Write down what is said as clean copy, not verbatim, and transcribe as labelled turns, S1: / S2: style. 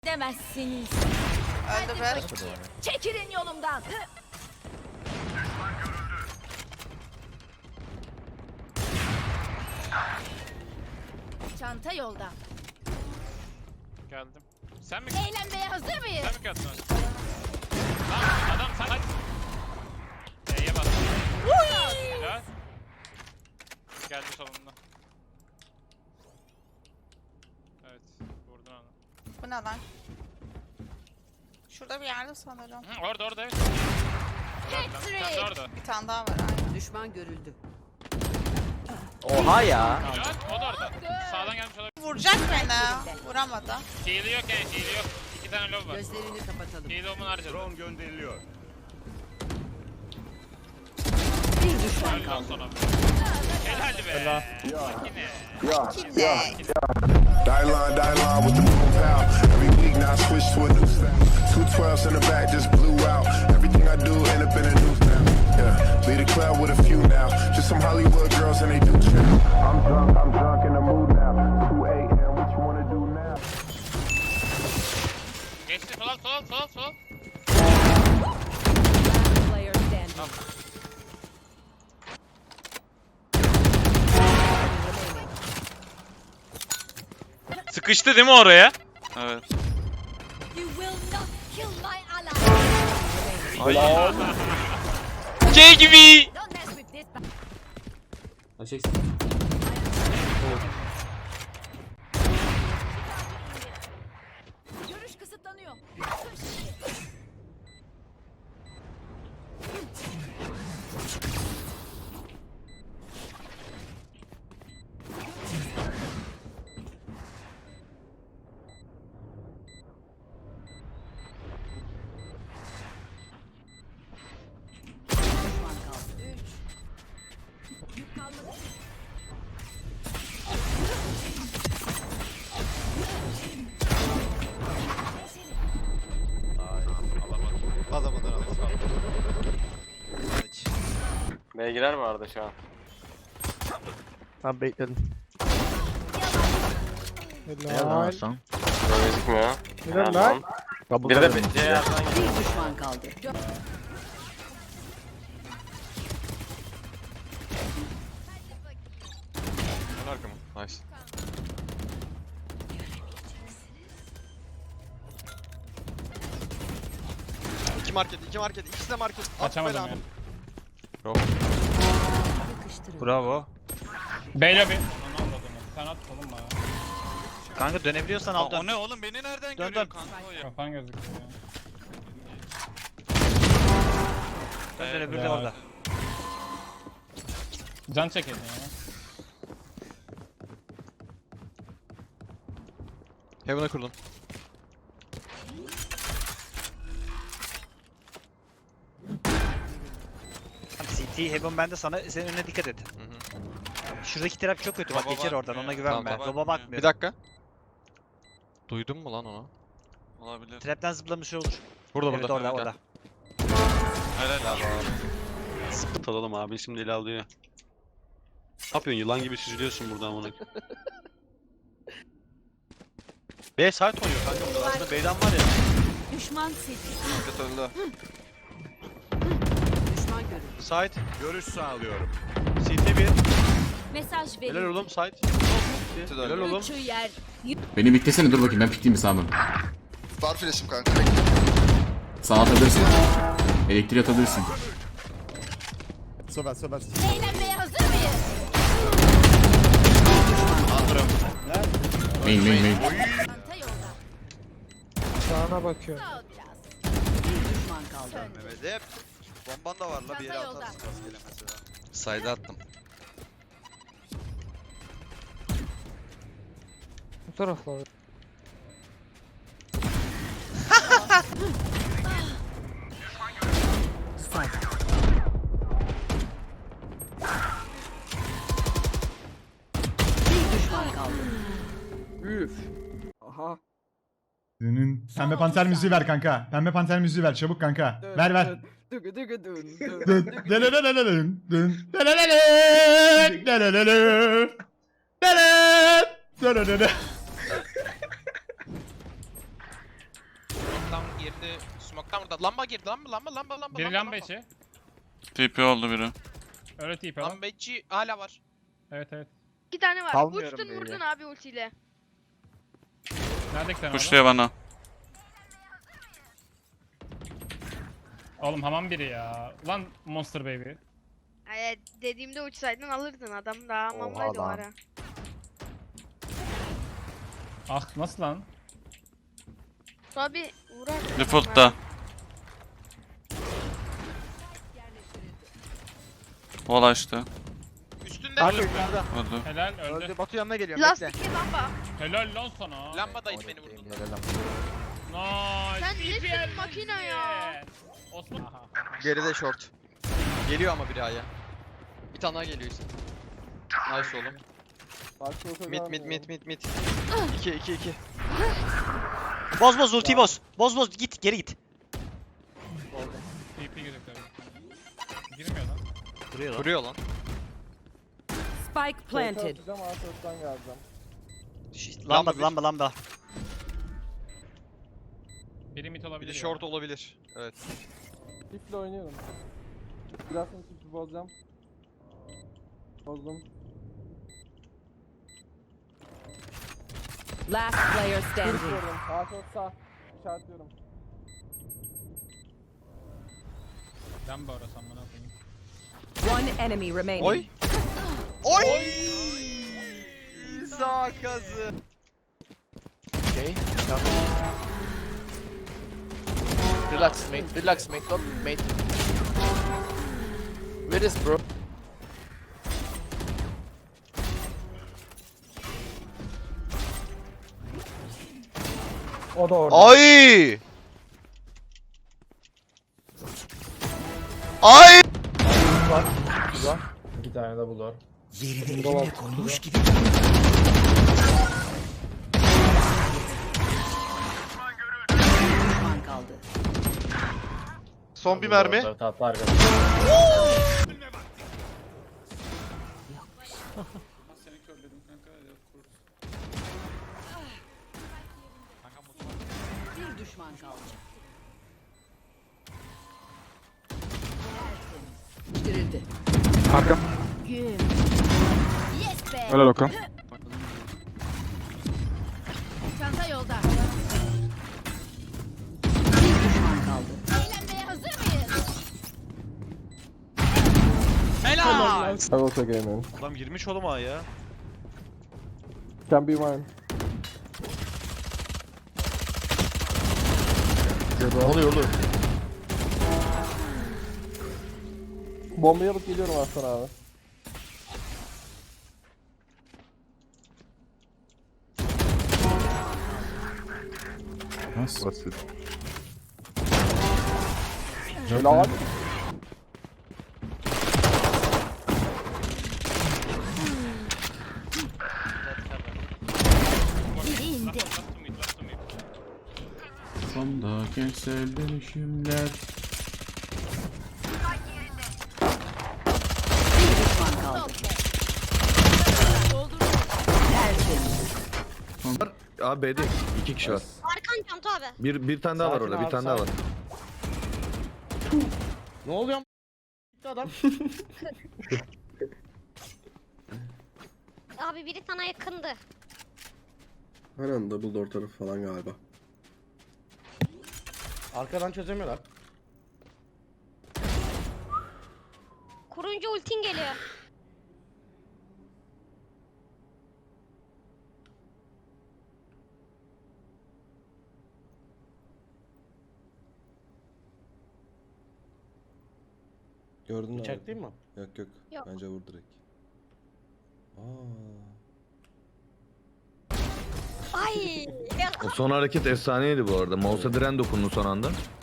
S1: Demezsiniz.
S2: Öldü bir.
S1: Çekilin yolumdan. Çanta yolda.
S3: Geldim. Sen mi?
S1: Eğlenmeye hazır mıyız?
S3: Sen mi kattın? Lan adam sen... E'ye bas. Helal. Geldi solunda. Evet. Vurdun onu.
S2: Bu ne lan? Şurada bir yerde sanırım.
S3: Hı, orada evet.
S1: Patrick!
S3: Sen de orada.
S2: Bir tane daha var aynen.
S4: Düşman görüldü.
S5: Oha ya.
S3: Helal. O da orada. Sağdan gelmiş olabilir.
S2: Vuracak beni. Vuramadı.
S3: Heal'i yok yani heal'i yok. 2 tane lob var.
S4: Gözlerini kapatalım.
S3: Heal'i onun harcadı.
S6: Drone gönderiliyor.
S4: Bir düşman
S3: Öldü
S4: kaldı.
S3: sonra. Helal be. Makine.
S2: Kitle.
S6: Die line with the boom pow. Every week now I switch to a new style. 212s in the back just blew out. Everything I do end up in a new style. Yeah, lead a club with a few now. Just some Hollywood girls and they do chill. I'm drunk in the mood now. 2 a.m. What you wanna do now?
S3: Geçti sol.
S4: Player standing.
S7: Sıkıştı değil mi oraya? Evet.
S1: You will not kill my ally.
S7: Şey gibi.
S1: Don't mess with this. Görüş kısıtlanıyor.
S4: Düşman kaldı.
S1: Yük kalmadı.
S8: Adamından aldım.
S5: B'ye girer mi Arda şu an?
S9: Tamam bekledim.
S5: Böyle gözükmüyor.
S9: Helal lan.
S5: Bir de C yerden
S4: Bir düşman kaldı.
S5: gelen arkamı. Nice.
S8: İki market, ikisi de market.
S3: Açamadım
S8: Belanı.
S3: ya.
S4: Yakıştırın.
S7: Bravo.
S3: Beylo bir. Onu anladım. Sen at oğlum bana.
S9: Kanka dönebiliyorsan al dön.
S7: O ne oğlum beni nereden
S9: Dön,
S7: görüyor
S9: dön.
S7: kanka o ya?
S3: Kafan gözüküyor ya.
S9: Dön öbürü de orada.
S3: Can çekedin ya.
S8: Heaven'a kurdum.
S9: Tamam, CT Heaven bende sana senin önüne dikkat et. Şuradaki trap çok kötü bak
S7: Baba
S9: geçer oradan
S7: bakmıyor.
S9: ona güvenme.
S8: Tamam,
S9: Baba
S7: bakmıyor.
S9: bakmıyor.
S8: Bir dakika. Duydun mu lan onu?
S7: Olabilir.
S9: Trapten zıplamış olur.
S8: Burada
S9: Evet orada orada.
S7: Helal abi.
S10: Atalım abi şimdi ele alıyor. Ne yapıyorsun yılan gibi süzülüyorsun buradan bunu.
S9: B site oynuyor kanka burada. Aslında B'den var ya.
S1: Düşman sildi.
S8: Market öldü.
S4: Düşman görüldü.
S9: Site.
S6: Görüş sağlıyorum.
S9: CT 1.
S1: Mesaj verin.
S9: Helal oğlum site. Helal oğlum.
S1: Üçü yer.
S11: Beni bitlesene dur bakayım ben pikleyeyim mi sağdan?
S8: Var flash'im kanka.
S11: Sağa atabilirsin. Elektriği atabilirsin.
S1: Eğlenmeye hazır mıyız?
S11: Main.
S1: Çanta yolda.
S9: Sağına bakıyor.
S1: Sağ biraz.
S4: Bir düşman kaldı.
S8: Mehmet hep. Bomban da var la bir yere
S1: Çanta yolda.
S8: atarsın rastgele mesela.
S10: Sayda attım.
S9: Bu taraflar.
S4: Bir düşman kaldı.
S12: Pembe panter müziği ver kanka. Pembe panter müziği ver çabuk kanka. Ver.
S8: Adam girdi. Smoke'tan burada. Lamba girdi. Lamba.
S3: Biri lamba içi.
S7: TP oldu biri.
S3: Öyle tip adam.
S8: Lamba içi hala var.
S3: Evet.
S1: 2 tane var.
S9: Salmıyorum
S1: Uçtun
S9: böyle.
S1: vurdun abi ultiyle.
S3: Nerede sen
S7: Kuşluyor bana.
S3: Oğlum hamam biri ya. Ulan Monster Baby.
S1: Dediğimde uçsaydın alırdın adam daha hamamdaydı o ara.
S3: Ah nasıl lan?
S1: Abi uğrar.
S7: Default'ta. Wall açtı.
S8: Üstünde.
S9: Arka yukarıda.
S7: Öldü.
S3: Helal öldü.
S9: Öldü. Batu yanına geliyorum. Bekle.
S1: Lastikli lamba.
S3: Helal lan sana.
S8: Lambadaydı beni vurdu.
S3: Nice.
S1: Sen nesin
S3: TPL
S1: makine ya?
S3: Osman.
S8: Geride short. Geliyor ama bir aya. Bir tane daha geliyor işte. Nice oğlum. Mid. 2.
S9: Boz ultiyi boz. Boz git geri git.
S3: TP gözüküyor. Girmiyor lan.
S8: Kuruyor lan.
S4: Spike planted.
S9: Lamba lamba.
S3: Biri mid
S8: Bir
S3: olabilir
S8: de
S3: ya.
S8: short olabilir. Evet.
S6: Tiple oynuyorum. Biraz sonra tipi bozacağım. Bozdum.
S4: Last player standing.
S6: Sağ çok sağ. İşaretliyorum.
S3: Lamba orası amına koyayım.
S4: One enemy remaining.
S8: Oy. Oy! Sağ kazı.
S5: Relax mate, don't mate. Where is bro?
S6: O da orada.
S8: Ay!
S6: İki tane de bulur.
S4: Düşman kaldı.
S8: Son bir mermi.
S4: Bir düşman kaldı. Bitirildi.
S1: Yes be.
S6: Helal Okan.
S1: Çanta yolda.
S4: Bir düşman kaldı.
S1: Eğlenmeye hazır mıyız?
S9: Helal.
S6: I will take aim in.
S9: Adam girmiş oğlum ha ya.
S6: Can be mine. Ne oluyor oğlum? Bombayı alıp geliyorum Aslan abi.
S11: Nasıl?
S6: Basit. Helal.
S1: Biri indi.
S11: Sonda kentsel dönüşümler.
S4: Bir düşman kaldı. Tertemiz.
S6: Abi B'de 2 kişi var.
S1: Arkan çanta abi.
S6: Bir tane daha var orada. Bir tane daha var.
S9: Ne oluyor? Adam.
S1: Abi biri sana yakındı.
S6: Aynen double door tarafı falan galiba.
S9: Arkadan çözemiyorlar.
S1: Kurunca ultin geliyor.
S6: Gördün mü?
S9: Bıçak değil mi?
S6: Yok.
S1: Yok.
S6: Bence vur direkt.
S1: Ay.
S6: O son hareket efsaneydi bu arada. Mouse'a diren dokundu son anda.